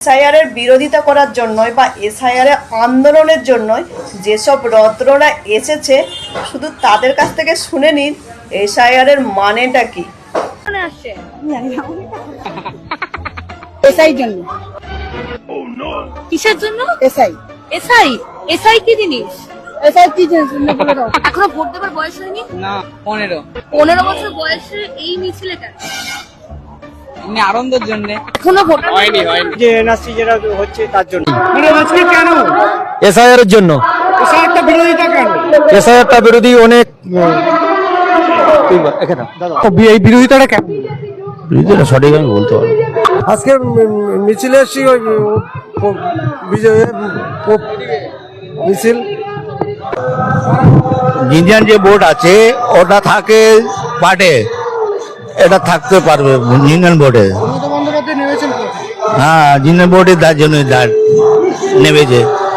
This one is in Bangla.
এসআইআর এর বিরোধিতা করার জন্যই বা এসআইআর এর আন্দোলনের জন্যই যেসব রত্নরা এসেছে শুধু তাদের কাছ থেকে শুনে নিন এসআইআর এর মানেটা কি। এসআই জন্য। কিসের জন্য? এসআই এসআই এসআই কি জিনিস? এসআই কি জিনিস না বলে দাও। এখনো ভোট দেবার বয়স হয়নি? না 15 বছর বয়সে এই মিছিলে কেন? এমনি আনন্দের জন্য। এখনো ভোট হয়নি যে এনআরসি যেটা হচ্ছে তার জন্য। কেন? এসআইআর এর জন্য। এসআইআরটা বিরোধিতা কেন? এসআইআরটা বিরোধী অনেক এই বিরোধিতাটা কেন? বিরোধিতা সঠিক আমি বলতে পারবো। আজকে মিছিলে এসছি ওই মিছিল ইন্ডিয়ান যে বোর্ড আছে ওটা থাকে পার্টে, এটা থাকতে পারবে ইন্ডিয়ান বোর্ডে। মমতা বন্দ্যোপাধ্যায় নেমেছেন কোথায়? হ্যাঁ, ইন্ডিয়ান বোর্ডে তার জন্য নেমেছে।